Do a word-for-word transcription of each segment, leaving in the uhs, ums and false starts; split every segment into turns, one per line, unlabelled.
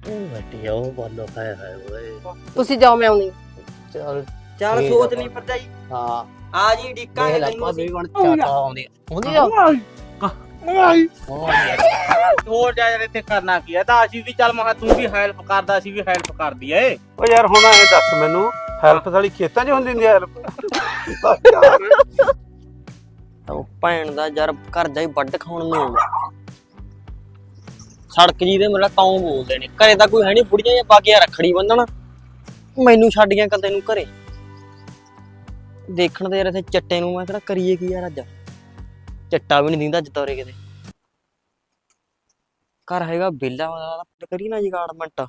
ਵੱਡੀ ਉਹ ਬੋਲੋ ਖਾਏ ਹਾਏ ਓਏ
ਤੁਸੀਂ ਜਾਓ ਮੈਂ ਆਉਣੀ
ਚੱਲ
ਚੱਲ
ਠੀਕ
ਸੋਚ
ਆ
ਲਈ ਭਰਜਾਈ
ਹਾਂ
ਆ ਜੀ ਡਿੱਕਾ
ਦੇਖ
ਹੈ
ਲੈ
ਤੈਨੂੰ
ਭਾਬੀ
ਅਸੀਂ
ਹੁਣ ਚਾਚਾ ਆਉਂਦੀ ਆਉਂਦੀ ਆ
ਹੋਰ ਜਾ ਯਾਰ ਇੱਥੇ ਕਰਨਾ ਕੀ ਹੈ ਤਾਂ ਅਸੀਂ ਵੀ ਚੱਲ ਮੈਂ ਕਿਹਾ ਤੂੰ ਵੀ ਹੈਲਪ ਕਰਦਾ ਅਸੀਂ ਵੀ ਹੈਲਪ ਕਰ ਦਈਏ
ਓ ਯਾਰ ਹੁਣ ਐ ਦੱਸ ਮੈਨੂੰ ਹੈਲਪ ਸਾਲੀ ਖੇਤਾਂ 'ਚ ਹੁੰਦੀ ਹੁੰਦੀ ਹੈਲਪ
ਉਹ ਭੈਣ ਦਾ ਯਾਰ ਘਰ ਦਾ ਹੀ ਵੱਢ ਖਾਣ ਨੂੰ ਆਉਂਦਾ ਸੜਕ ਜੀ ਦੇ ਮੇਰਾ ਤਾਂ ਬੋਲਦੇ ਨੇ ਘਰੇ ਤਾਂ ਕੋਈ ਹੈ ਨਹੀਂ ਬੁੜੀਆਂ ਜਾਂ ਬਾਗੀਆਂ ਰੱਖੜੀ ਬੰਨਣ ਮੈਨੂੰ ਛੱਡ ਗਿਆ ਕੱਲ ਤੈਨੂੰ ਘਰੇ ਦੇਖਣ ਦੇ ਯਾਰ ਇੱਥੇ ਚੱਟੇ ਨੂੰ ਮੈਂ ਕਿਹੜਾ ਕਰੀਏ ਕੀ ਯਾਰ ਅੱਜ ਚੱਟਾ ਵੀ ਨਹੀਂ ਦਿੰਦਾ ਅੱਜ ਤੋਰੇ ਕਿਤੇ ਘਰ ਹੈਗਾ ਬੇਲਾ ਕਰੀ ਨਾ ਜਗਾੜਮੈਂਟ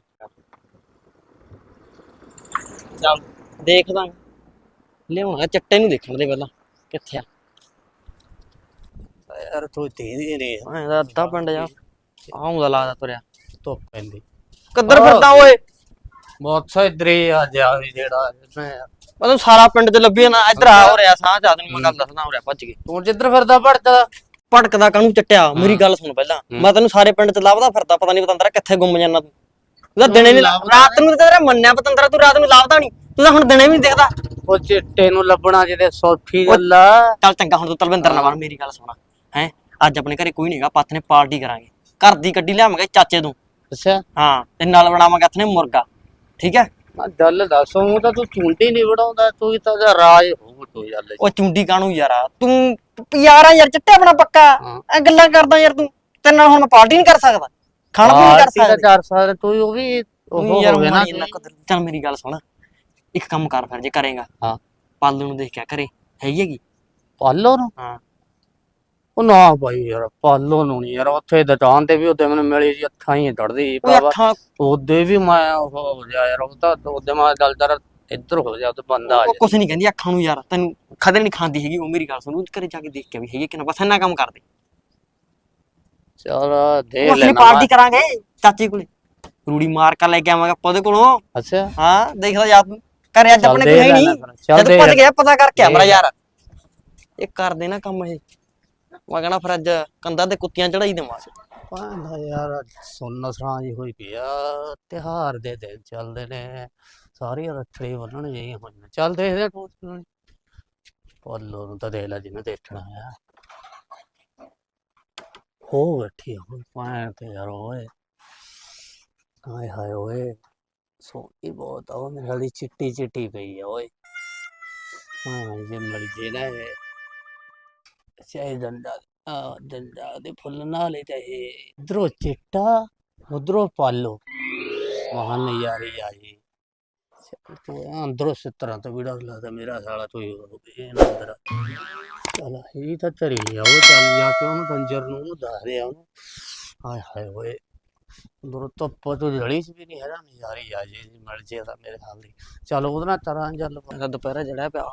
ਚੱਲ ਦੇਖਦਾ ਲਿਆਉਣਾ ਚੱਟੇ ਨੂੰ ਦੇਖਣ ਦੇ ਪਹਿਲਾਂ ਕਿੱਥੇ ਆ
ਯਾਰ ਤੂੰ ਤੇਰੀ ਰੇ
ਐਂ ਦਾ ਅੱਧਾ ਪਿੰਡ ਜਾ ਆਉਂਦਾ ਲੱਗਦਾ ਤੁਰਿਆ
ਧੁੱਪ ਪੈਂਦੀ
ਕਿੱਧਰ ਫਿਰਦਾ ਓਏ
ਬਹੁਤ ਸੋ ਇਧਰੇ ਆ ਜਾ ਵੀ ਜਿਹੜਾ ਮੈਂ
ਮੈਨੂੰ ਸਾਰਾ ਪਿੰਡ ਚ ਲੱਭੀ ਨਾ ਇੱਧਰ ਆ ਹੋ ਰਿਹਾ ਸਾਹ ਚਾ ਤੈਨੂੰ ਮੈਂ ਗੱਲ ਦੱਸਦਾ ਹੋ ਰਿਹਾ ਭੱਜ ਕੇ
ਤੂੰ ਜਿੱਧਰ ਫਿਰਦਾ ਭੜਦਾ
ਭਟਕਦਾ ਕਾਹਨੂੰ ਚੱਟਿਆ ਮੇਰੀ ਗੱਲ ਸੁਣ ਪਹਿਲਾਂ ਮੈਂ ਤੈਨੂੰ ਸਾਰੇ ਪਿੰਡ ਚ ਲੱਭਦਾ ਫਿਰਦਾ ਪਤਾ ਨਹੀਂ ਪਤੰਦਰਾ ਕਿੱਥੇ ਗੁੰਮ ਜਾਂਦਾ ਤੂੰ ਤੂੰ ਤਾਂ ਦਿਨੇ ਨਹੀਂ ਰਾਤ ਨੂੰ ਤੇਰਾ ਮੰਨਿਆ ਪਤੰਦਰਾ ਤੂੰ ਰਾਤ ਨੂੰ ਲੱਭਦਾ ਨਹੀਂ ਤੂੰ ਤਾਂ ਹੁਣ ਦਿਨੇ ਵੀ ਨਹੀਂ ਦਿਖਦਾ
ਉਹ ਚਿੱਟੇ ਨੂੰ ਲੱਭਣਾ ਜਿਹਦੇ ਸੌਖੀ ਗੱਲ ਆ
ਚੱਲ ਚੰਗਾ ਹੁਣ ਤੂੰ ਤਲਵਿੰਦਰ ਨਾਲ ਮੇਰੀ ਗੱਲ ਸੁਣਾ ਹੈ ਅੱਜ ਆਪਣੇ ਘਰੇ ਕੋਈ ਨਹੀਂਗਾ ਪੱਥ ਨੇ ਪਾਰਟੀ ਕਰਾਂਗੇ ਘਰ ਦੀ ਗੱਡੀ ਲਿਆਵਾਂਗੇ ਚਾਚੇ ਤੋਂ
ਅੱਛਾ
ਹਾਂ ਤੇ ਨਾਲ ਬਣਾਵਾਂਗੇ ਹੱਥ ਨੇ ਮੁਰਗਾ ਠੀਕ ਹੈ
ਮੈਂ ਗੱਲ ਦੱਸ ਉਹ ਤਾਂ ਤੂੰ ਚੁੰਡੀ ਨਹੀਂ ਵੜਾਉਂਦਾ ਤੂੰ ਤਾਂ ਉਹਦਾ ਰਾਜ ਹੋਊ ਤੂੰ ਯਾਰ
ਉਹ ਚੁੰਡੀ ਕਾਹਨੂੰ ਯਾਰਾ ਤੂੰ ਯਾਰਾ ਯਾਰ ਚਿੱਟੇ ਆਪਣਾ ਪੱਕਾ ਐ ਗੱਲਾਂ ਕਰਦਾ ਯਾਰ ਤੂੰ ਤੇਰੇ ਨਾਲ ਹੁਣ ਮੈਂ ਪਾਰਟੀ ਨਹੀਂ ਕਰ ਸਕਦਾ ਖਾਣਾ ਵੀ ਨਹੀਂ ਕਰ ਸਕਦਾ
ਚਾਰ ਸਾਲ ਤੂੰ ਉਹ ਵੀ ਉਹ
ਯਾਰ
ਹੋਵੇ ਨਾ
ਚੱਲ ਮੇਰੀ ਗੱਲ ਸੁਣ ਇੱਕ ਕੰਮ ਕਰ ਫਿਰ ਜੇ ਕਰੇਗਾ
ਹਾਂ
ਪਾਲੂ ਨੂੰ ਦੇਖ ਕੇ ਕਰੇ ਹੈਗੀ ਹੈਗੀ
ਪਾਲੋ ਨੂੰ
ਹਾਂ
ਉਹ ਨਾ ਭਾਈ ਯਾਰ ਪਾਲੋ ਨੂੰ ਨਹੀਂ ਯਾਰ ਉੱਥੇ ਦੁਕਾਨ ਤੇ ਵੀ ਉਹਦੇ ਮੈਨੂੰ ਮਿਲੀ ਜੀ ਅੱਖਾਂ ਹੀ ਡੜਦੀ
ਉਹ
ਬਾਬਾ
ਅੱਖਾਂ
ਉਹਦੇ ਵੀ ਮੈਂ ਉਹ ਹੋ ਗਿਆ ਯਾਰ ਉਹ ਤਾਂ ਉਹਦੇ ਮੈਂ ਦਲਦਰ ਇੱਧਰ ਹੋ ਜਾ ਤੇ ਬੰਦਾ ਆ
ਉਹ ਕੁਛ ਨਹੀਂ ਕਹਿੰਦੀ ਅੱਖਾਂ ਨੂੰ ਯਾਰ ਤੈਨੂੰ ਖਦਰ ਨਹੀਂ ਖਾਂਦੀ ਹੈਗੀ ਉਹ ਮੇਰੀ ਗੱਲ ਸੁਣ ਉਹ ਘਰੇ ਜਾ ਕੇ ਦੇਖ ਕੇ ਵੀ ਹੈਗੀ ਕਿ ਨਾ ਬਸ ਇੰਨਾ ਕੰਮ ਕਰਦੇ
ਚਲ ਦੇਖ
ਉਹ ਅਸੀਂ
ਲੈਣਾ
ਪਾਰਟੀ ਕਰਾਂਗੇ ਚਾਚੀ ਕੋਲੇ ਰੂੜੀ ਮਾਰ ਕੇ ਲੈ ਕੇ ਆਵਾਂਗੇ ਆਪਾਂ ਉਹਦੇ ਕੋਲੋਂ
ਅੱਛਾ
ਹਾਂ ਦੇਖਦਾ ਯਾਰ ਤੂੰ ਘਰੇ ਅੱਜ
ਚੱਲ
ਆਪਣੇ
ਦੇਖ
ਕੋਈ ਹੈ ਨਹੀਂ
ਲੈਣਾ ਫਿਰ, ਚੱਲ
ਜਦ
ਦੇਖ
ਭੱਜ ਗਿਆ ਪਤਾ ਕਰਕੇ ਆ ਮੇਰਾ
ਦੇਖ।
ਯਾਰ ਇਹ ਕਰਦੇ ਨਾ ਕੰਮ ਇਹ ਮੈਂ ਕਹਣਾ ਫਿਰ ਅੱਜ ਕੰਧਾਂ ਤੇ ਕੁੱਤੀਆਂ ਚੜਾਈ ਦੇਵਾਂਗੇ
ਪਾਂਦਾ ਯਾਰ ਸੁਣਨ ਸਰਾਂ ਜੀ ਹੋਈ ਪਿਆ ਤਿਹਾਰ ਦੇ ਦਿਨ ਚੱਲਦੇ ਨੇ ਸਾਰੀ ਰੱਖੜੀ ਬੰਨਣ ਜਾਈ ਹੋਈਆਂ ਚੱਲ ਦੇਖਦੇ ਤੂੰ ਪਾਲੋ ਨੂੰ ਤਾਂ ਦੇਖ ਲੈ ਜਿਹਨੇ ਦੇਖਣਾ ਆ ਹੋ ਬੈਠੀ ਹੁਣ ਪਾਣ ਤੇ ਯਾਰ ਓਏ ਹਾਏ ਹਾਏ ਓਏ ਸੋਹਣੀ ਬਹੁਤ ਆ ਉਹ ਮੇਰੇ ਵਾਲੀ ਚਿੱਟੀ ਚਿੱਟੀ ਪਈ ਆ ਓਏ ਹਾਂ ਜੇ ਮਰ ਜੇ ਨਾ ਇਹ ਚਾਹੇ ਡੰਡਾ ਆ ਡੰਡਾ ਦੇ ਫੁੱਲ ਨਾਲ ਹੀ ਤੇ ਇਧਰੋਂ ਚਿੱਟਾ ਉਧਰੋਂ ਪਾਲੋ ਮਹਾਨ ਨਜ਼ਾਰੇ ਆ ਜੀ ਤੂੰ ਅੰਦਰੋਂ ਇਸ ਤਰ੍ਹਾਂ ਤਾਂ ਵੀੜਾ ਲੱਗਦਾ ਮੇਰਾ ਸਾਲਾ ਤੂੰ ਇਹ ਨਾ ਅੰਦਰ ਚਲ ਇਹ ਤਾਂ ਤਰੀ ਆ ਉਹ ਚੱਲ ਜਾ ਕੇ ਉਹਨੂੰ ਡੰਜਰ ਨੂੰ ਉਹਨੂੰ ਦੱਸ ਰਿਹਾ ਉਹਨੂੰ ਹਾਏ ਹਾਏ ਓਏ ਅੰਦਰੋਂ ਧੁੱਪ ਤੋਂ ਜੜੀ ਚ ਵੀ ਨਹੀਂ ਹੈਗਾ ਨਜ਼ਾਰੇ ਆ ਜੀ ਮਿਲ ਜੇ ਤਾਂ ਮੇਰੇ ਹਾਲ ਦੀ ਚਲ ਉਹਦੇ ਨਾਲ ਤਰ੍ਹਾਂ ਚੱਲ
ਇਹਦਾ ਦੁਪਹਿਰਾ ਜਿਹੜਾ ਪਿਆ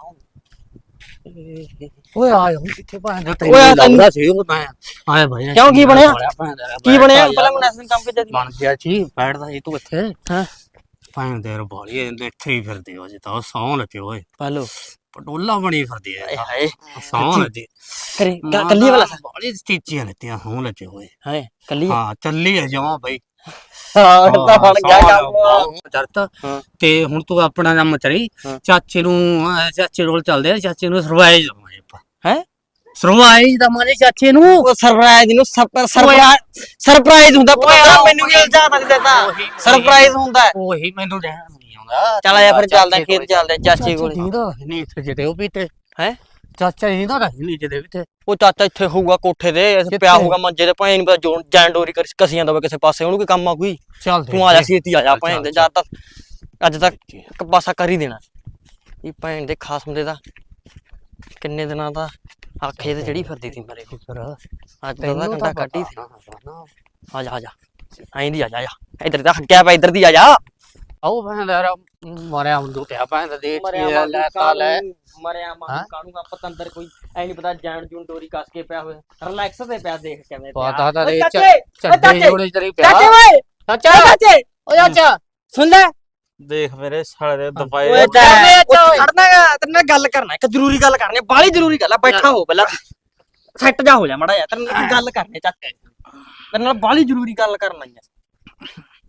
ਓਏ ਆਏ ਹੁਣ ਕਿੱਥੇ ਭਾਂਦਾ
ਓਏ
ਤੈਨੂੰ
ਆ ਤੈਨੂੰ-
ਲੱਗਦਾ ਸੀ ਉਹ ਤਾਂ ਆਏ ਭਾਈ
ਕਿਉਂ ਕੀ ਬਣਿਆ? ਕੀ ਬਣਿਆ ਪਹਿਲਾਂ ਮੈਂ ਨੈਸ਼ਨਲ ਕੰਮ ਕਿੱਦਾਂ
ਬਣ ਗਿਆ ਜੀ ਬੈਠਦਾ ਸੀ ਤੂੰ ਇੱਥੇ
ਹਾਂ
ਭਾਂ ਦੇਰ ਬਾਲੀ ਇਹਦੇ ਇੱਥੇ ਹੀ ਫਿਰਦੇ ਹੋ ਜੀ ਤਾਂ ਸੌਂ ਲੱਗੇ ਓਏ
ਪਾਲੋ
ਪਟੋਲਾ ਬਣੀ ਫਿਰਦੀ ਐ
ਹਾਏ
ਸੌਂ ਲੱਗੇ
ਕਰੇ ਕੱਲੀ ਵਾਲਾ
ਬਾਲੀ ਸਟੀਚੀਆਂ ਲੈਤੀਆਂ ਸੌਂ ਲੱਗੇ ਹੋਏ
ਹਾਏ ਕੱਲੀ
ਹਾਂ ਚੱਲੀ ਐ ਜਮਾ ਬਈ
ਹਾਂ ਤਾਂ ਬਣ ਗਿਆ ਕੰਮ
ਚਰਤ
ਹਾਂ।
ਤੇ ਹੁਣ ਤੂੰ ਆਪਣਾ ਕੰਮ ਚਰੀ
ਹਾਂ।
ਚਾਚੇ ਨੂੰ ਅਹ ਚਾਚੇ ਕੋਲ ਚੱਲਦੇ ਆ ਚਾਚੇ ਨੂੰ ਸਰਵਾਈਜ਼ ਦਵਾਂਗੇ ਆਪਾਂ
ਹੈ
ਸਰਵਾਈਜ਼ ਦਵਾਂਗੇ ਚਾਚੇ ਨੂੰ
ਉਹ ਸਰਪ੍ਰਾਈਜ਼ ਨੂੰ ਸਰਪ੍ਰਾਈਜ਼ ਸਰਪ੍ਰਾਈਜ਼ ਹੁੰਦਾ ਪਤਾ ਮੈਨੂੰ ਵੀ ਇਲਜ਼ਾਮ ਲੱਗ ਜਾਂਦਾ ਸਰਪ੍ਰਾਈਜ਼ ਹੁੰਦਾ
ਉਹੀ ਮੈਨੂੰ ਰਹਿਣ ਨਹੀਂ ਆਉਂਦਾ
ਚੱਲ ਆ ਫਿਰ ਚੱਲਦੇ ਖੇਤ ਚੱਲਦੇ ਚਾਚੇ ਕੋਲ
ਨਹੀਂ ਇੱਥੇ ਜਿਹੜੇ ਉਹ ਵੀ ਤੇ
ਹੈ
ਚਾਚਾ ਜੀ ਦਾ ਨਹੀਂ ਜਿਹਦੇ ਵੀ ਤੇ
ਉਹ ਚਾਚਾ ਇੱਥੇ ਹੋਊਗਾ ਕੋਠੇ ਤੇ ਇੱਥੇ ਪਿਆ ਹੋਊਗਾ ਮੰਜੇ ਤੇ ਭਾਵੇਂ ਨਹੀਂ ਪਤਾ ਜੋ ਜੈਨ ਡੋਰੀ ਕਰ ਕਸੀ ਜਾਂਦਾ ਹੋਵੇ ਕਿਸੇ ਪਾਸੇ ਉਹਨੂੰ ਕੋਈ ਕੰਮ ਆ ਕੋਈ
ਚੱਲ
ਤੂੰ ਆ ਜਾ ਛੇਤੀ ਆ ਜਾ ਭੈਣ ਦੇ ਜਦ ਤੱਕ ਅੱਜ ਤੱਕ ਇੱਕ ਪਾਸਾ ਕਰ ਹੀ ਦੇਣਾ ਇਹ ਭੈਣ ਦੇ ਖਾਸ ਹੁੰਦੇ ਦਾ ਕਿੰਨੇ ਦਿਨਾਂ ਦਾ ਆਖੇ ਤੇ ਜਿਹੜੀ ਫਿਰਦੀ ਸੀ ਮੇਰੇ
ਫਿਰ
ਅੱਜ ਦਾ ਘੰਟਾ ਕੱਢੀ ਸੀ ਆ ਜਾ ਆ ਜਾ ਐਂ ਦੀ ਆ ਜਾ ਆ ਇੱਧਰ ਦਾ ਹੱਕਿਆ ਪਿਆ ਇੱਧਰ ਦੀ ਆ ਜਾ
ਆਓ ਭੈਣ ਦਾ ਯਾਰ ਮਰਿਆ ਹੁੰਦੂ ਪਿਆ ਭੈਣ ਦਾ ਦੇਖ ਲੈ ਤਾ ਲੈ
ਮਰਿਆ ਮਾਂ ਕਾਣੂਗਾ ਪਤੰਦਰ ਕੋਈ ਐ ਨਹੀਂ ਪਤਾ ਜਾਣ ਜੂਨ ਡੋਰੀ ਕੱਸ ਕੇ ਪਿਆ ਹੋਇਆ ਰਿਲੈਕਸ ਤੇ ਪਿਆ ਦੇਖ ਕਿਵੇਂ
ਪਤਾ ਤਾਂ ਦੇ
ਚਾਚੇ
ਚੱਡੇ ਜੋੜੇ ਚਰੀ ਪਿਆ
ਚਾਚੇ ਓਏ
ਚਾਚਾ
ਚਾਚੇ
ਓ ਚਾਚਾ
ਸੁਣ ਲੈ
ਦੇਖ ਮੇਰੇ ਸਾਲੇ ਦੇ ਦਫਾਏ
ਓਏ ਖੜਨਾਗਾ ਤੇਰੇ ਨਾਲ ਗੱਲ ਕਰਨਾ ਇੱਕ ਜ਼ਰੂਰੀ ਗੱਲ ਕਰਨੀ ਬਾਲੀ ਜ਼ਰੂਰੀ ਗੱਲ ਆ ਬੈਠਾ ਹੋ ਪਹਿਲਾਂ ਸੈੱਟ ਜਾ ਹੋ ਜਾ ਮੜਾ ਯਾਰ ਤੇਰੇ ਨਾਲ ਗੱਲ ਕਰਨੀ ਚਾਚੇ ਤੇਰੇ ਨਾਲ ਬਾਲੀ ਜ਼ਰੂਰੀ ਗੱਲ ਕਰਨਾ ਹੈ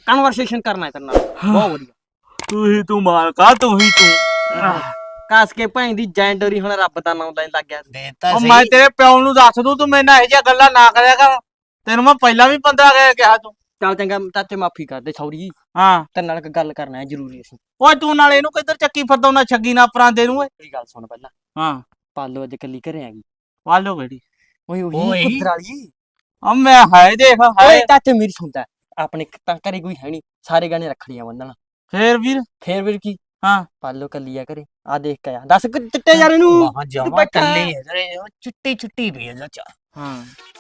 ਕਨਵਰਸੇਸ਼ਨ ਕਰਨਾ ਹੈ ਤੇਰੇ ਨਾਲ ਬਹੁਤ ਵਧੀਆ
ਤੂੰ ਹੀ ਤੂੰ ਮਾਲਕਾ ਤੂੰ ਹੀ ਤੂੰ
ਕਾਸ ਕੇ ਭਾਈ ਦੀ ਜੈਂਡਰੀ ਹੁਣ ਰੱਬ ਦਾ ਨਾਮ ਲੈਣ ਲੱਗ ਗਿਆ
ਦੇਤਾ
ਉਹ
ਸਹੀ
ਮੈਂ ਤੇਰੇ ਪਿਓ ਨੂੰ ਦੱਸ ਦੂੰ ਤੂੰ ਮੇਰੇ ਨਾਲ ਇਹੋ ਜਿਹੀਆਂ ਗੱਲਾਂ ਨਾ ਕਰਿਆ ਕਰ ਤੈਨੂੰ ਮੈਂ ਪਹਿਲਾਂ ਵੀ ਪੰਦਰਾਂ ਕਹਿ ਕਿਹਾ ਤੂੰ
ਚੱਲ ਚੰਗਾ ਚਾਚੇ ਮਾਫੀ ਕਰ ਦੇ ਸੌਰੀ
ਹਾਂ
ਤੇਰੇ ਨਾਲ ਇੱਕ ਗੱਲ ਕਰਨਾ ਹੈ ਜ਼ਰੂਰੀ ਅਸੀਂ
ਓਏ ਤੂੰ ਨਾਲ ਇਹਨੂੰ ਕਿੱਧਰ ਚੱਕੀ ਫਿਰਦਾ ਉਹਨਾਂ ਛੱਗੀ ਨਾ ਪਰਾਂਦੇ ਨੂੰ ਓਏ
ਮੇਰੀ ਗੱਲ ਸੁਣ ਪਹਿਲਾਂ
ਹਾਂ
ਪਾਲੋ ਅੱਜ ਕੱਲੀ ਘਰੇ ਆ ਗਈ
ਵਾਲੋ ਕਿਹੜੀ
ਓਏ
ਓਏ।
ਉਹੀ ਪੁੱਤਰ ਵਾਲੀ
ਆ ਮੈਂ ਹਾਏ ਦੇਖ ਹਾਏ
ਓਏ ਚਾਚੇ ਮੇਰੀ ਸੁਣਦਾ ਆਪਣੇ ਤਾਂ ਘਰੇ ਕੋਈ ਹੈ ਨਹੀਂ ਸਾਰੇ ਗਾਣੇ ਰੱਖੜੀਆਂ ਬੰਨਣ
ਫੇਰ ਵੀਰ
ਫੇਰ ਵੀਰ ਕੀ
ਹਾਂ
ਪਾਲੋ ਕੱਲੀ ਆ ਘਰੇ ਆ ਦੇਖ ਕੇ ਆ ਦੱਸ ਕਿ ਚਿੱਟੇ ਯਾਰ ਇਹਨੂੰ
ਮਹਾ ਜਮਾ
ਬੈਠਾ
ਕੱਲੀ ਹੈ ਤੇਰੇ ਚਿੱਟੀ ਚਿੱਟੀ ਪਈ ਹੈ ਚਾਚਾ
ਹਾਂ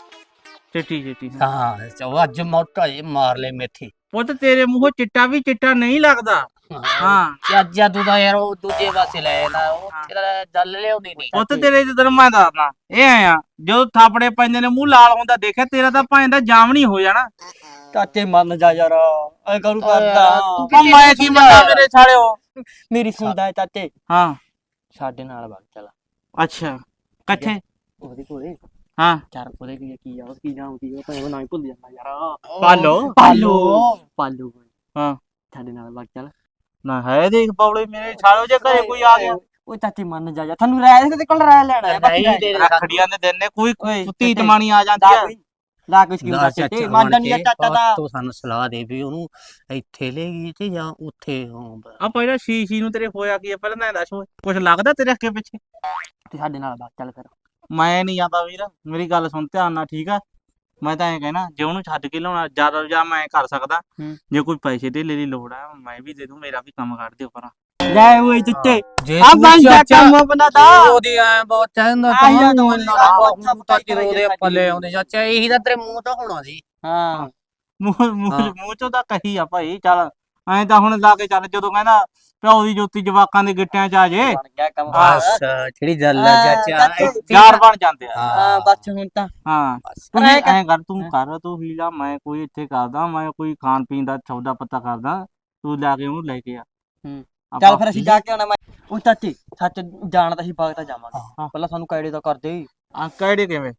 ਚਿੱਟੀ ਚਿੱਟੀ
ਹਾਂ ਚੋ ਅੱਜ ਮੋਟਾ ਜੇ ਮਾਰ ਲੈ ਮੇਥੀ
ਉਹ ਤਾਂ ਤੇਰੇ ਮੂੰਹੋਂ ਚਿੱਟਾ ਵੀ ਚਿੱਟਾ ਨਹੀਂ ਲੱਗਦਾ ਹਾਂ
ਚਾਚਾ ਤੂੰ ਤਾਂ ਯਾਰ ਉਹ ਦੂਜੇ ਪਾਸੇ ਲੈ ਨਾ ਉਹ ਤੇਰਾ ਜਲ ਲਿਆਉਂਦੀ ਨਹੀਂ
ਉਹ ਤਾਂ ਤੇਰੇ ਜਦੋਂ ਮੈਂ ਦੱਸਦਾ ਇਹ ਆ ਜਦੋਂ ਥਾਪੜੇ ਪੈਂਦੇ ਨੇ ਮੂੰਹ ਲਾਲ ਹੁੰਦਾ ਦੇਖਿਆ ਤੇਰਾ ਤਾਂ ਭਾਂ ਦਾ ਜਾਮ ਨਹੀਂ ਹੋ ਜਾਣਾ
ਚਾਚੇ ਮੰਨ ਜਾ ਯਾਰ ਐ ਕਰੂ ਕਰਦਾ
ਉਹ ਮੈਂ ਕੀ ਮੰਨਾਂ ਮੇਰੇ ਸਾਲਿਓ
ਮੇਰੀ ਸੁਣਦਾ ਹੈ ਚਾਚੇ
ਹਾਂ
ਸਾਡੇ ਨਾਲ ਵਗ ਚੱਲ
ਅੱਛਾ ਕਿੱਥੇ
ਉਹਦੇ ਕੋਲੇ
ਹਾਂ
ਚਾਰ ਉਹਦੇ ਕੀ ਕੀ ਆ ਉਹ ਕੀ ਨਾਮ ਕੀ ਉਹ ਤਾਂ ਨਾ ਹੀ ਭੁੱਲ ਜਾਂਦਾ ਯਾਰ
ਪਾਲੋ
ਪਾਲੋ ਪਾਲੋ
ਹਾਂ
ਸਾਡੇ ਨਾਲ ਵਗ ਚੱਲ
ਨਾ ਹੈ ਦੇਖ ਪੌਲੇ ਮੇਰੇ ਸਾਲਿਓ ਜੇ ਘਰੇ ਕੋਈ ਆ ਗਿਆ
ਉਹ ਚਾਚੇ ਮੰਨ ਜਾ ਜਾ ਤੁਹਾਨੂੰ ਰਾਇ ਦੇ ਕੋਲ ਰਾਇ ਲੈਣਾ ਹੈ ਬਾਕੀ
ਨਹੀਂ ਤੇਰੇ
ਰੱਖੜੀਆਂ ਦੇ ਦਿਨ ਨੇ ਕੋਈ
ਓਏ,
ਕੁੱਤੀ ਤਮਾਣੀ ਆ ਜਾਂਦੀ ਆ
ਲਾ ਕੁਛ ਕੀ ਹੁੰਦਾ ਚਾਚੇ ਮੰਨ ਜਾ ਨਹੀਂ ਚਾਚਾ ਦਾ
ਤੂੰ ਸਾਨੂੰ ਸਲਾਹ ਦੇ ਵੀ ਉਹਨੂੰ ਇੱਥੇ ਲੈ ਗਈ ਤੇ ਜਾਂ ਉੱਥੇ ਹਾਂ
ਆ ਪਹਿਲਾਂ ਸ਼ੀਸ਼ੀ ਨੂੰ ਤੇਰੇ ਹੋਇਆ ਕੀ ਆ ਪਹਿਲਾਂ ਤਾਂ ਦੱਸ ਓਏ ਕੁਛ ਲੱਗਦਾ ਤੇਰੇ ਅੱਗੇ ਪਿੱਛੇ
ਤੇ ਸਾਡੇ ਨਾਲ ਵਗ ਚੱਲ ਫਿਰ
ਮੈਂ ਨਹੀਂ ਜਾਂਦਾ ਵੀਰ ਮੇਰੀ ਗੱਲ ਸੁਣ ਧਿਆਨ ਨਾਲ ਠੀਕ ਆ ਮੈਂ ਤਾਂ ਐਂ ਕਹਿਣਾ ਜੇ ਉਹਨੂੰ ਛੱਡ ਕੇ ਲਿਆਉਣਾ ਜ਼ਿਆਦਾ ਜਾਂ ਮੈਂ ਕਰ ਸਕਦਾ
ਹੂੰ।
ਜੇ ਕੋਈ ਪੈਸੇ ਦੇ ਦੀ ਲੋੜ ਆ ਮੈਂ ਵੀ ਦੇ ਦੂੰ ਮੇਰਾ ਵੀ ਕੰਮ ਕੱਢ ਦਿਓ ਪਰਾਂ
ਲੈ ਓਏ ਚਿੱਟੇ
ਜੇ
ਆ ਬਣ ਜਾ ਕੰਮ ਬਣਾਦਾ
ਉਹਦੀ ਐ ਬਹੁਤ ਚਾਹੁੰਦਾ
ਆ ਯਾਰ
ਤੂੰ
ਉਹਨੇ
ਇੰਨਾ
ਆਹ
ਬਹੁਤ
ਮੱਥਾ
ਤਾਂ
ਪਕਾਈ
ਉਹਦੇ ਪੱਲੇ ਆਉਂਦੇ ਚਾਚਾ ਇਹੀ ਤਾਂ ਤੇਰੇ ਮੂੰਹ ਤੋਂ ਹੋਣਾ ਸੀ
ਹਾਂ
ਮੂੰਹ ਮੂੰਹ
ਹਾਂ।
ਮੂੰਹ ਚੋਂ ਤਾਂ ਕਹੀ ਆ ਭਾਈ ਚੱਲ ਐਂ ਤਾਂ ਹੁਣ ਲਾ ਕੇ ਚੱਲ ਜਦੋਂ ਕਹਿੰਦਾ ਪਿਓ ਦੀ ਜੋਤੀ ਜਵਾਕਾਂ ਦੇ ਗਿੱਟਿਆਂ ਚ ਆ ਜੇ
ਬਣ ਗਿਆ ਕੰਮ
ਬਸ ਜਿਹੜੀ ਗੱਲ ਆ
ਹਾਂ,
ਚਾਚਾ
ਚਾਚਾ।
ਇੱਥੇ
ਯਾਰ ਬਣ ਜਾਂਦੇ ਆ
ਹਾਂ ਬਸ ਹੁਣ ਤਾਂ
ਹਾਂ
ਬਸ।
ਤੂੰ
ਪਰ ਐਂ
ਵੀ
ਕਰ-
ਐਂ ਕਰ ਤੂੰ ਕਰ ਤੂੰ ਹੀਲਾ ਮੈਂ ਕੋਈ ਇੱਥੇ ਕਰਦਾ ਮੈਂ ਕੋਈ ਖਾਣ ਪੀਣ ਦਾ ਸੌਦਾ ਪੱਤਾ ਕਰਦਾ ਤੂੰ ਲੈ ਕੇ ਉਹਨੂੰ ਲੈ ਕੇ ਆ
ਹੂੰ।
ਆਪਾਂ-
ਚੱਲ ਫਿਰ ਅਸੀਂ ਜਾ ਕੇ ਆਉਣਾ ਮੈਂ ਉਹ ਚਾਚੇ ਸੱਚ ਜਾਣ ਤਾਂ ਅਸੀਂ ਬਾਗ ਤਾਂ ਜਾਵਾਂਗੇ
ਹਾਂ।
ਪਹਿਲਾਂ ਸਾਨੂੰ ਕਾਇੜੇ ਦਾ ਕਰਦੇ
ਆ ਕਿਹੜੇ ਕਿਵੇਂ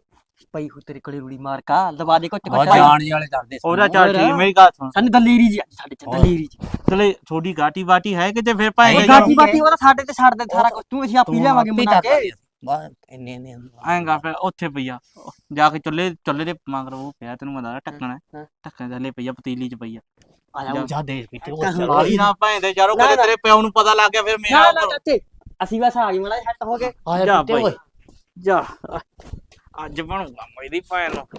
ਪਈ ਹੋ ਤੇਰੇ ਕੋਲੇ ਰੂੜੀ ਮਾਰ ਕਾ ਦਬਾ ਦੇ ਘੁੱਟ
ਉਹ
ਘੁੱਟ
ਜਾਣ ਵਾਲੇ ਕਰਦੇ ਸੀ
ਉਹਦਾ ਚੱਲ
ਹੋਰ।
ਠੀਕ ਮੇਰੀ ਗੱਲ ਸੁਣ
ਸਾਨੂੰ ਦਲੇਰੀ ਜੀ ਆ, ਸਾਡੇ ਚ
ਹੋਰ।
ਦਲੇਰੀ ਜੀ
ਚਲੇ ਛੋਟੀ ਗਾਟੀ ਬਾਟੀ ਹੈ ਕਿਤੇ ਫਿਰ ਭਾਈ
ਉਹ
ਇਹ
ਗਾਟੀ ਬਾਟੀ ਉਹਦਾ ਸਾਡੇ ਤੇ ਛੱਡ ਦੇ ਸਾਰਾ ਕੁਝ ਤੂੰ ਅਸੀਂ ਆਪੀ ਲਿਆਵਾਂਗੇ ਮਨਾ ਕੇ
ਬਸ ਇੰਨੇ ਇੰਨੇ
ਆਏਗਾ ਫਿਰ ਉੱਥੇ ਪਈਆ ਜਾ ਕੇ ਚੁੱਲੇ ਚੁੱਲੇ ਦੇ ਮਗਰ ਉਹ ਪਿਆ ਤੈਨੂੰ ਮੈਂ ਦੱਸਦਾ ਢੱਕਣਾ
ਹਾਂ।
ਢੱਕਣ ਥੱਲੇ ਪਈਆ ਪਤੀਲੀ ਚ ਪਈਆ
ਆ ਜਾ
ਉਹ ਜਾ ਦੇ ਵੀ ਤੇ ਉਹ
ਚੱਲ।
ਚੱਲ
ਬਾਲੀ ਨਾ ਭਾਂਦੇ ਯਾਰੋ
ਨਾ,
ਕਦੇ
ਨਾ।
ਤੇਰੇ ਪਿਓ ਨੂੰ ਪਤਾ ਲੱਗ ਗਿਆ ਫਿਰ
ਨਾ
ਮੇਰਾ
ਨਾ ਚਾਚੇ ਅਸੀਂ ਬਸ ਆ ਗਏ ਮਲਾ ਸੈੱਟ ਹੋ ਗਏ
ਆ
ਜਾ
ਜਾ
ਭਾਈ।
ਓਏ
ਜਾ ਅੱਜ ਬਣੂਗਾ ਮੇਰੀ ਭੈਣ ਨੂੰ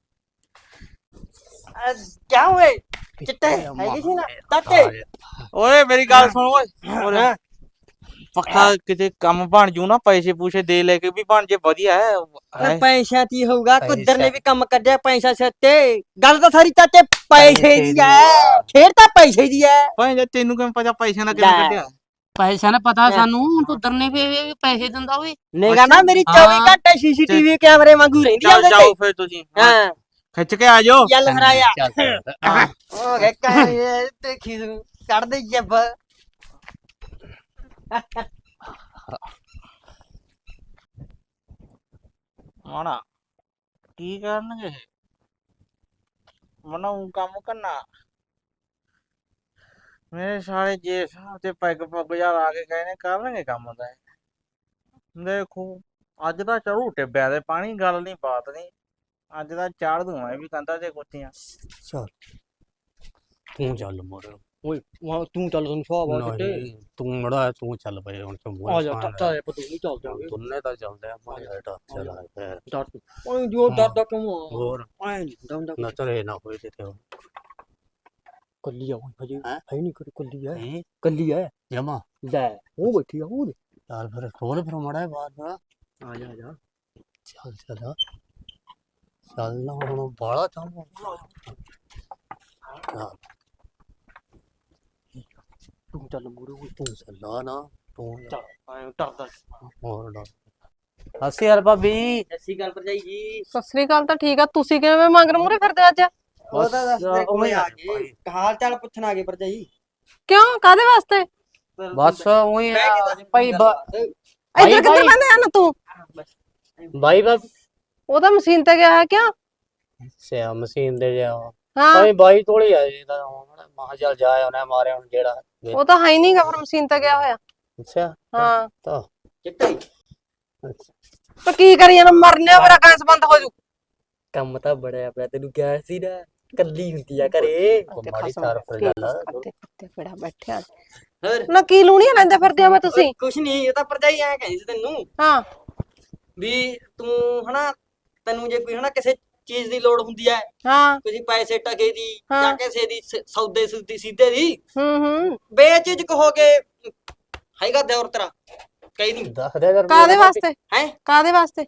ਕਿਆ ਹੋਏ ਚਿੱਟੇ ਹੈਗੀ ਸੀ ਨਾ ਚਾਚੇ
ਓਏ ਮੇਰੀ ਗੱਲ ਸੁਣ ਓਏ ਓਏ ਪੱਕਾ ਕਿਤੇ ਕੰਮ ਬਣ ਜੂ ਨਾ ਪੈਸੇ ਪੂਸੇ ਦੇ ਲੈ ਕੇ ਵੀ ਬਣ ਜੇ ਵਧੀਆ ਹੈ
ਅਰੇ ਪੈਸਾ ਕੀ ਹੋਊਗਾ ਕੁੱਦਰ ਨੇ
ਪੈਸਾ।
ਵੀ ਕੰਮ ਕੱਢਿਆ ਪੈਸਾ ਸੱਤੇ ਗੱਲ ਤਾਂ ਸਾਰੀ ਚਾਚੇ ਪੈਸੇ ਦੀ ਐ ਖੇਡ ਤਾਂ ਪੈਸੇ ਦੀ ਐ
ਭਾਈ ਜੇ ਤੈਨੂੰ ਕਿਵੇਂ ਪਤਾ ਪੈਸਿਆਂ ਦਾ ਕਿਵੇਂ
ਲੈ।
ਕੱਢਿਆ
ਪੈਸਾ ਨਾ ਪਤਾ ਸਾਨੂੰ ਤੂੰ ਦਰਨੇ ਵੀ ਪੈਸੇ ਦਿੰਦਾ ਓਏ
ਨੇਗਾ ਨਾ ਮੇਰੀ
ਹਾਂ।
ਚੌਵੀ ਘੰਟੇ ਸੀਸੀਟੀਵੀ ਕੈਮਰੇ ਵਾਂਗੂ ਰਹਿੰਦੀ ਆ
ਚੱਲ
ਉਹਦੇ
ਜਾਓ
ਤੇ
ਫਿਰ ਤੁਸੀਂ
ਹਾਂ
ਖਿੱਚ ਕੇ ਆ ਜਾਓ
ਚੱਲ ਹਰਾਇਆ
ਚੱਲ ਚੱਲ।
ਹੋ ਗਿਆ ਕਾਹੇ ਤੇ ਖੀਸ ਕੱਢ ਦੇ ਜੱਬ
ਮਾਣਾ ਕੀ ਕਰਨਗੇ ਮਨਾਉ ਕੰਮ ਕਰਨਾ ਮੇਰੇ ਸਾਲੇ ਜੇ ਹਿਸਾਬ ਤੇ ਪੈਗ ਪੱਗ ਯਾਰ ਆ ਕੇ ਗਏ ਨੇ ਕਰਨਗੇ ਕੰਮ ਦਾ ਇਹ। ਦੇਖੋ ਅੱਜ ਦਾ ਚੜੂ ਟਿੱਬਿਆ ਦੇ ਪਾਣੀ ਗੱਲ ਨਹੀਂ ਬਾਤ ਨਹੀਂ ਅੱਜ ਦਾ ਚਾੜ ਦੂੰ ਇਹ ਵੀ ਕੰਦਾ ਤੇ ਕੁੱਤੀਆਂ
ਚੱਲ ਤੂੰ ਚੱਲ ਮੋਰ
ਓਏ ਵਾਹ ਤੂੰ ਚੱਲ ਤੁਹਾਨੂੰ ਸੁਆ ਬਾਤ ਤੇ
ਨਹੀਂ ਤੂੰ ਮੜਾ ਤੂੰ ਚੱਲ ਪਏ ਹੁਣ ਤੂੰ
ਆ ਜਾ ਤਾਂ ਇਹ ਪਤੂ ਨਹੀਂ ਚੱਲ ਜਾਵੇ
ਦੋਨੇ ਤਾਂ ਚੱਲਦੇ ਆ ਮਾਰੇ ਹਟਾ ਚੱਲ ਆ ਫਿਰ
ਡਰ ਓਏ ਜੋ ਡਰਦਾ ਕਿਉਂ ਆ
ਹੋਰ
ਐ ਨਹੀਂ ਦੰਦਾ
ਨਾ ਚਲੇ ਨਾ ਹੋਏ ਤੇ ਤੇ
ਕੱਲੀ ਆ ਓਏ ਹਜੇ
ਹੈਂ?
ਹੈ ਨਹੀਂ ਕੋਈ ਕੱਲੀ ਆ
ਇਹ
ਕੱਲੀ ਆ
ਜਮਾ
ਲੈ ਉਹ ਬੈਠੀ ਆ ਉਹ
ਚੱਲ ਫਿਰ ਖੋਲ ਫਿਰ ਮੜਾ ਬਾਹਰ ਨਾ
ਆ ਜਾ ਆ ਜਾ
ਚੱਲ ਚੱਲ ਚੱਲ ਨਾ ਹੁਣ ਬਾਲਾ ਚਾਹੁੰਦਾ
ਤੂੰ ਚੱਲ ਮੂਰੇ ਓਏ
ਤੂੰ ਚੱਲਾ ਨਾ ਤੂੰ
ਚੱਲ ਐ ਡਰਦਾ
ਹੋਰ ਡਰ ਅਸੀਂ ਯਾਰ ਭਾਬੀ
ਐਸੀ ਗੱਲ ਭਰਜਾਈ ਜੀ
ਸਤਿ ਸ੍ਰੀ ਅਕਾਲ ਤਾਂ ਠੀਕ ਆ ਤੁਸੀਂ ਕਿਵੇਂ ਮੰਗਰ ਮੂਰੇ ਫਿਰਦੇ ਅੱਜ
ਉਹ ਤਾਂ ਦੱਸ ਦੇ ਕੋਲੇ ਆ
ਭਾਈ।
ਗਏ ਹਾਲ ਚਾਲ ਪੁੱਛਣ ਆ ਗਏ ਭਰਜਾਈ
ਕਿਉਂ ਕਾਦੇ ਵਾਸਤੇ
ਬਸ ਉਹੀ ਭਾਈ ਬ-
ਇੱਧਰ ਕਿੱਧਰ
ਭਾਈ।
ਬੰਦੇ ਆ ਨਾ ਤੂੰ
ਬਾਈ ਬਾਬ
ਉਹ ਤਾਂ ਮਸ਼ੀਨ ਤੇ ਗਿਆ ਹੈ ਕਿਉਂ
ਸਿਆ ਮਸ਼ੀਨ ਦੇ ਜਾ
ਹਾਂ
ਭਾਈ ਬਾਈ ਤੋਲੀ ਆ ਜੀ ਤਾਂ ਮਹਾ ਚੱਲ ਜਾਇਆ ਉਹਨੇ ਮਾਰਿਆ ਹੁਣ ਜਿਹੜਾ
ਉਹ ਤਾਂ ਹੈ ਹੀ ਨਹੀਂਗਾ ਫਿਰ ਮਸ਼ੀਨ ਤੇ ਗਿਆ ਹੋਇਆ
ਅੱਛਾ
ਹਾਂ
ਤਾਂ
ਚਿੱਟੇ
ਅੱਛਾ
ਤਾਂ ਕੀ ਕਰੀ ਜਾਣਾ ਮਰਨੇ ਮੇਰਾ ਗੈਸ ਬੰਦ ਹੋ ਜੂ
ਕੰਮ ਤਾਂ ਬੜਿਆ ਪਿਆ ਤੈਨੂੰ ਕਿਹਾ ਸੀ ਨਾ ਕੱਲੀ ਹੁੰਦੀ ਆ ਘਰੇ
ਮਾੜੀ ਤਾਰ ਪਰ ਗੱਲ
ਕੁੱਤੇ ਕੁੱਤੇ ਕਿਹੜਾ ਬੈਠਿਆ
ਹੋਰ
ਨਾ ਕੀ ਲੂਣੀਆਂ ਲੈਂਦੇ ਫਿਰਦੇ ਆ ਮੈਂ ਤੁਸੀਂ
ਕੁਛ ਨਹੀਂ ਇਹ ਤਾਂ ਭਰਜਾਈ ਐ ਕਹਿੰਦੀ ਸੀ ਤੈਨੂੰ
ਹਾਂ
ਵੀ ਤੂੰ ਹਨਾ ਤੈਨੂੰ ਜੇ ਕੋਈ ਹਨਾ ਕਿਸੇ ਚੀਜ਼ ਦੀ ਲੋੜ ਹੁੰਦੀ ਐ
ਹਾਂ
ਕਿਸੇ ਪੈਸੇ ਟਕੇ ਦੀ
ਹਾਂ।
ਜਾਂ ਕਿਸੇ ਦੀ ਸ- ਸੌਦੇ ਸੁਦੀ ਸੀਧੇ ਦੀ
ਹੂੰ ਹੂੰ
ਬੇਚਿਜਕ ਹੋ ਕੇ ਹੈਗਾ ਦਿਓਰ ਤੇਰਾ ਕਹੀ ਨਹੀਂ
ਦੱਸ ਦੇ ਯਾਰ
ਕਾਦੇ ਵਾਸਤੇ
ਹੈ
ਕਾਦੇ ਵਾਸਤੇ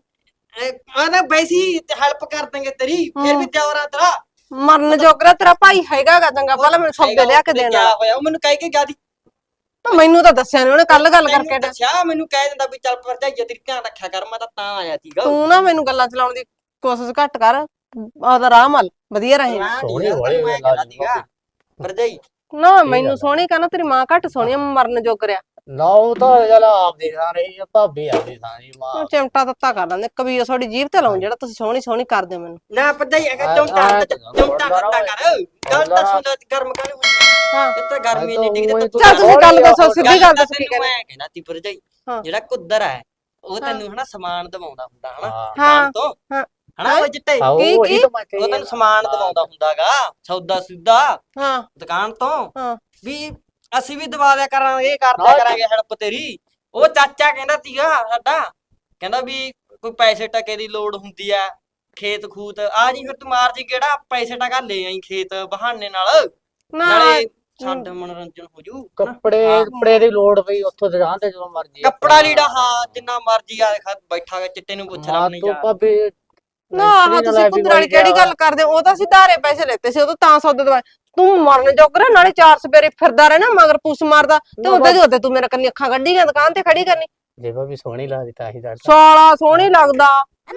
ਆਹ ਵੈਸੀ ਹੈਲਪ ਕਰ ਦਾਂਗੇ ਤੇਰੀ ਫਿਰ ਵੀ ਦਿਓਰਾ ਤੇਰਾ
ਮਰਨ ਜੋਗਰਾ ਤੇਰਾ ਭਾਈ ਹੈਗਾਗਾ ਚੰਗਾ ਪਹਿਲਾਂ ਮੈਨੂੰ ਸੌਦੇ ਲਿਆ ਕੇ ਦੇਣਾ
ਕਿਆ ਹੋਇਆ ਉਹ ਮੈਨੂੰ ਕਹਿ ਕੇ ਗਿਆ ਦੀ
ਤਾਂ ਮੈਨੂੰ ਤਾਂ ਦੱਸਿਆ ਨੀ ਉਹਨੇ ਕੱਲ ਗੱਲ
ਮੈਨੂੰ
ਕਰਕੇ
ਦੱਸਿਆ ਮੈਨੂੰ ਕਹਿ ਦਿੰਦਾ ਵੀ ਚੱਲ ਭਰਜਾਈ ਤੇਰੀ ਧਿਆਨ ਰੱਖਿਆ ਕਰ ਮੈਂ ਤਾਂ ਤਾਂ ਆਇਆ ਸੀਗਾ
ਤੂੰ ਨਾ ਮੈਨੂੰ ਗੱਲਾਂ ਚਲਾਉਣ ਦੀ ਕੋਸ਼ਿਸ਼ ਘੱਟ ਕਰ ਉਹਦਾ ਰਾਹ ਮਲ ਵਧੀਆ ਰਹੇ
ਸੋਹਣੀ ਵਾਲੀ
ਸੀਗਾ ਭਰਜਾਈ
ਨਾ ਮੈਨੂੰ ਸੋਹਣੀ ਕਹਿੰਦਾ ਤੇਰੀ ਮਾਂ ਘੱਟ ਸੋਹਣੀ ਆ, ਮਰਨ ਜੋਗਰਿਆ
ਨਾ ਉਹ ਤਾਂ ਚੱਲ ਆਪ ਦੀ ਥਾਂ ਰਹੀ ਆ ਭਾਬੀ ਆਪਦੀ ਥਾਂ ਜੀ ਮਾਂ
ਉਹ ਚਿਮਟਾ ਦਿੱਤਾ ਕਰ ਲੈਂਦੇ ਕਬੀਰ ਤੁਹਾਡੀ ਜੀਭ ਤੇ ਲਾਉਂ ਜਿਹੜਾ ਤੁਸੀਂ ਸੋਹਣੀ ਸੋਹਣੀ ਕਰਦੇ ਹੋ ਮੈਨੂੰ
ਨਾ ਭਰਜਾਈ ਅਗਰ
ਆ-
ਚੌਂਟਾ
ਆ-
ਚੌਂਟਾ ਕਰਦਾ ਕਰ ਗੱਲ ਤਾਂ ਸੁਣ ਗਰਮ ਕਰ
ਹਾਂ
ਇਹ ਤਾਂ ਗਰਮੀ ਨਹੀਂ ਡਿੱਗਦੀ
ਉਹੀ
ਤੂੰ
ਚੱਲ ਤੁਸੀਂ ਗੱਲ ਦੱਸੋ ਸਿੱਧੀ ਗੱਲ ਦੱਸੋ ਕੀ
ਤੈਨੂੰ
ਕਹਿੰਦੇ
ਮੈਂ ਕਹਿਣਾ ਤੀ ਭਰਜਾਈ
ਹਾਂ।
ਜਿਹੜਾ ਕੁੱਦਰ ਹੈ ਉਹ ਤੈਨੂੰ ਹਨਾ ਸਮਾਨ ਦਵਾਉਂਦਾ ਹੁੰਦਾ ਹਨਾ
ਹਾਂ
ਹਾਂ
ਦੁਕਾਨ ਤੋਂ
ਹਾਂ।
ਹਨਾ ਉਹ ਚਿੱਟੇ
ਆਹੋ
ਕੀ-
ਉਹੀ
ਕੀ?
ਤਾਂ ਮੈਂ
ਉਹ
ਕਹੀ
ਤੈਨੂੰ ਸਮਾਨ ਦਵਾਉਂਦਾ ਹੁੰਦਾਗਾ ਸੌਦਾ ਸੁਦਾ
ਹਾਂ
ਦੁਕਾਨ ਤੋਂ
ਹਾਂ
ਵੀ ਅਸੀਂ ਵੀ ਦਵਾ ਦਿਆ ਕਰਾਂਗੇ ਕਰਦਿਆ
ਹਾਂ।
ਕਰਾਂਗੇ ਹੈਲਪ ਤੇਰੀ ਉਹ ਚਾਚਾ ਕਹਿੰਦਾ ਸੀਗਾ ਸਾਡਾ ਕਹਿੰਦਾ ਵੀ ਕੋਈ ਪੈਸੇ ਟਕੇ ਦੀ ਲੋੜ ਹੁੰਦੀ ਆ ਖੇਤ ਖੂਤ ਆ ਜੀ ਫਿਰ ਤੂੰ ਮਾਰ ਜੀ ਕਿਹੜਾ ਪੈਸੇ ਟਕਾ ਲੈ ਆਈ ਖੇਤ ਬਹਾਨੇ ਨਾਲ
ਨਾ
ਨਾਲੇ ਸਾਡਾ ਮਨੋਰੰਜਨ ਹੋ ਜੂ
ਕੱਪੜੇ ਕੱਪੜੇ ਦੀ ਲੋੜ ਪਈ ਉੱਥੋਂ ਦੁਕਾਨ ਤੇ ਜਦੋਂ ਮਰਜੀ
ਕੱਪੜਾ ਲੀੜਾ ਹਾਂ ਜਿੰਨਾ ਮਰਜੀ ਆ ਖਾ ਬੈਠਾ ਗਾ ਚਿੱਟੇ ਨੂੰ ਪੁੱਛ ਲੈ
ਮਾਂ
ਆਪਣੀ
ਤੂੰ
ਯਾਰ
ਭਾਬੀ
ਨਾ ਆਹ ਤੁਸੀਂ ਕੁੰਦਰ ਵਾਲੀ ਕਿਹੜੀ ਗੱਲ ਕਰਦੇ ਹੋ ਉਹ ਤਾਂ ਅਸੀਂ ਧਾਰੇ ਪੈਸੇ ਲੈਤੇ ਸੀ ਉਹ ਤਾਂ ਸੌਦੇ ਦਵਾਏ ਤੂੰ ਮਰਨ ਜੋਗਰਾ ਨਾਲੇ ਚਾਰ ਸਵੇਰੇ ਫਿਰਦਾ ਰਹਿਣਾ ਮਗਰ ਪੁੱਛ ਮਾਰਦਾ ਤੇ ਉਹਦੇ ਦੀ ਉਹਦੇ ਤੂੰ ਮੇਰਾ ਕੰਨੀ ਅੱਖਾਂ ਕੱਢੀ ਗਿਆ ਦੁਕਾਨ ਤੇ ਖੜੀ ਕਰਨੀ
ਜੇ ਭਾਬੀ ਸੋਹਣੀ ਲੱਗਦੀ ਤਾਂ ਹੀ ਦੱਸ
ਸਾਲਾ ਸੋਹਣੀ ਲੱਗਦਾ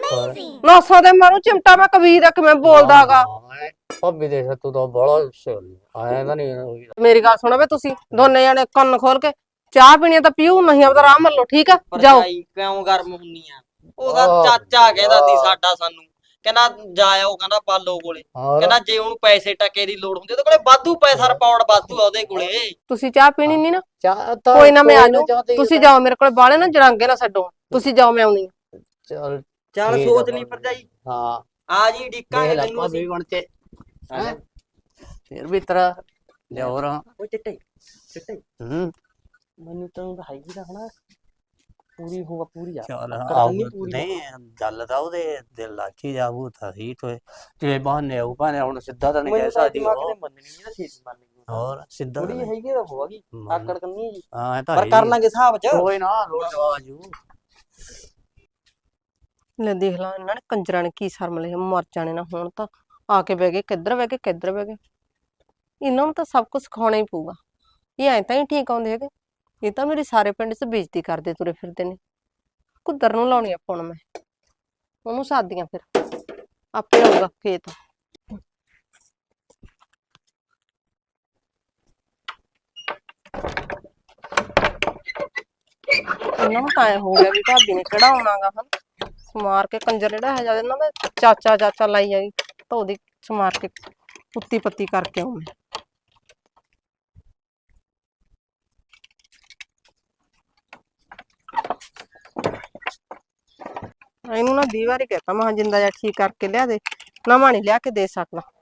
ਨਾਸਾਂ ਦੇ ਮਾਰੂ ਚਿਮਟਾ ਮੈਂ ਕਬੀਰ ਦਾ ਕਿਵੇਂ ਬੋਲਦਾਗਾ
ਭਾਬੀ ਦੇ ਤੂੰ ਤਾਂ ਬੜਾ ਆਇਆ ਤਾਂ ਨਹੀਂ
ਮੇਰੀ ਗੱਲ ਸੁਣੋ ਵੇ ਤੁਸੀਂ ਦੋਨੇ ਜਣੇ ਕੰਨ ਖੋਲ ਕੇ ਚਾਹ ਪੀਣੀ ਆ ਤਾਂ ਪੀਓ ਨਹੀਂ ਆਪਦਾ ਆਰਾਮ ਮੱਲੋ ਠੀਕ ਆ ਜਾਓ
ਭਰਜਾਈ ਕਿਉਂ ਗਰਮ ਹੁੰਨੀ ਆ ਉਹਦਾ
ਆਹ,
ਚਾਚਾ ਕਹਿੰਦਾ ਸੀ
ਆਹ।
ਸਾਡਾ ਸਾਨੂੰ ਕਹਿੰਦਾ ਜਾਇਓ ਕਹਿੰਦਾ ਪਾਲੋ ਕੋਲੇ
ਹੋਰ
ਕਹਿੰਦਾ ਜੇ ਉਹਨੂੰ ਪੈਸੇ ਟਕੇ ਦੀ ਲੋੜ ਹੁੰਦੀ ਉਹਦੇ ਕੋਲੇ ਵਾਧੂ ਪੈਸਾ ਰਿਪੌਰਟ ਵਾਧੂ ਆ ਉਹਦੇ ਕੋਲੇ
ਤੁਸੀਂ ਚਾਹ ਪੀਣੀ ਨਹੀਂ ਨਾ
ਚਾਹ ਤਾਂ
ਕੋਈ ਨਾ ਮੈਂ ਆ
ਕੋਈ
ਜਾਊਂ
ਚਾਹਤੀ
ਤੁਸੀਂ ਜਾਓ ਮੇਰੇ ਕੋਲ ਬਾਲੇ ਨਾ ਜਰਾਂਗੇ ਨਾ ਛੱਡੋ ਤੁਸੀਂ ਜਾਓ ਮੈਂ ਆਉਣੀ
ਚੱਲ
ਚੱਲ
ਠੀਕ ਆ
ਸੋਚ ਲਈ
ਭਾਬੀ।
ਭਰਜਾਈ
ਹਾਂ
ਆ ਜੀ
ਦੇਖ
ਡਿੱਕਾਂਗੇ
ਲੈ
ਤੈਨੂੰ
ਭਾਬੀ
ਅਸੀਂ
ਬਣ ਕੇ
ਆ ਜਾ।
ਫਿਰ ਵੀ ਤਰਾ ਲਿਆਉ ਰਾਂ
ਉਹ ਚਿੱਟੇ ਚਿੱਟੇ
ਹੂੰ
ਮੈਨੂੰ ਤਾਂ ਉਹਦਾ ਹੈਗੀ ਦਾ ਹਨਾ ਪੂਰੀ ਹੋਗਾ ਪੂਰੀ ਆ
ਚੱਲ
ਆਕੜ
ਆਉ
ਕਰਨੀ ਪੂਰੀ
ਨਹੀਂ ਗੱਲ ਤਾਂ ਉਹਦੇ ਦਿਲ ਲਾਚੀ ਜਾਬੂ ਤਾਂ ਹੀ ਤੋਏ ਜੇ ਬਹਾਨੇ ਆਉ ਭਾਨੇ ਹੁਣ ਸਿੱਧਾ ਤਾਂ ਨਹੀਂ ਕਹਿ
ਮੈਨੂੰ ਤਾਂ
ਸਕਦੀ
ਦਿਮਾਗ
ਉਹ
ਤੇ ਮੰਨਣੀ ਨਹੀਂ ਨਾ ਛੇਤੀ ਮੰਨ ਗਈ
ਹੋਰ ਸਿੱਧਾ ਤਾਂ
ਥੋੜੀ
ਨਹੀਂ।
ਹੈਗੀ ਤਾਂ ਹੋਗੀ
ਮੰਨ-
ਆਕੜ ਕਰਨੀ ਜੀ
ਹਾਂ ਇਹ ਤਾਂ
ਪਰ
ਹੈ
ਕਰ
ਹੀ।
ਲਾਂਗੇ ਹਿਸਾਬ ਚ
ਕੋਈ ਨਾ ਲੋੜ ਆਜੂ
ਲੈ ਦੇਖ ਲਾ ਇਹਨਾਂ ਨੇ ਕੰਜਰਾਂ ਨੇ ਕੀ ਸ਼ਰਮ ਲਈ ਮਰ ਜਾਣੇ ਨਾ ਹੁਣ ਤਾਂ ਆ ਕੇ ਬਹਿ ਗਏ ਕਿੱਧਰ ਬਹਿ ਗਏ ਕਿੱਧਰ ਬਹਿ ਗਏ ਇਹਨਾਂ ਨੂੰ ਤਾਂ ਸਭ ਕੁਝ ਸਿਖਾਉਣਾ ਹੀ ਪਊਗਾ ਇਹ ਐਂ ਤਾਂ ਹੀ ਠੀਕ ਆਉਂਦੇ ਹੈਗੇ ਇਹ ਤਾਂ ਮੇਰੇ ਸਾਰੇ ਪਿੰਡ 'ਚ ਬੇਇੱਜ਼ਤੀ ਕਰਦੇ ਤੁਰੇ ਫਿਰਦੇ ਨੇ ਕੁੱਦਰ ਨੂੰ ਲਾਉਣੀ ਆ ਹੁਣ ਮੈਂ ਉਹਨੂੰ ਸਾਦੀਆਂ ਫਿਰ ਆਪੇ ਆਊਗਾ ਖੇਤ ਇਹਨਾਂ ਨੂੰ ਤਾਂ ਐਂ ਹੋ ਗਿਆ ਵੀ ਭਾਬੀ ਨੇ ਕਿਹੜਾ ਆਉਣਾਗਾ ਹਨ ਸਮਾਰ ਕੇ ਕੰਜਰ ਜਿਹੜਾ ਹੈ ਜਦ ਇਹਨਾਂ ਦਾ ਚਾਚਾ ਚਾਚਾ ਲਾਈ ਜਾਈ ਤਾਂ ਉਹਦੀ ਸਮਾਰ ਕੇ ਪੁੱਤੀ ਪੱਤੀ ਕਰਕੇ ਆਉਂ ਮੈਂ ਇਹਨੂੰ ਨਾ ਵੀਹ ਵਾਰੀ ਕਹਤਾ ਮੈਂ ਕਿਹਾ ਜਿੰਦਾ ਜਿਹਾ ਠੀਕ ਕਰਕੇ ਲਿਆ ਦੇ ਨਵਾਂ ਨਹੀਂ ਲਿਆ ਕੇ ਦੇ ਸਕਦਾ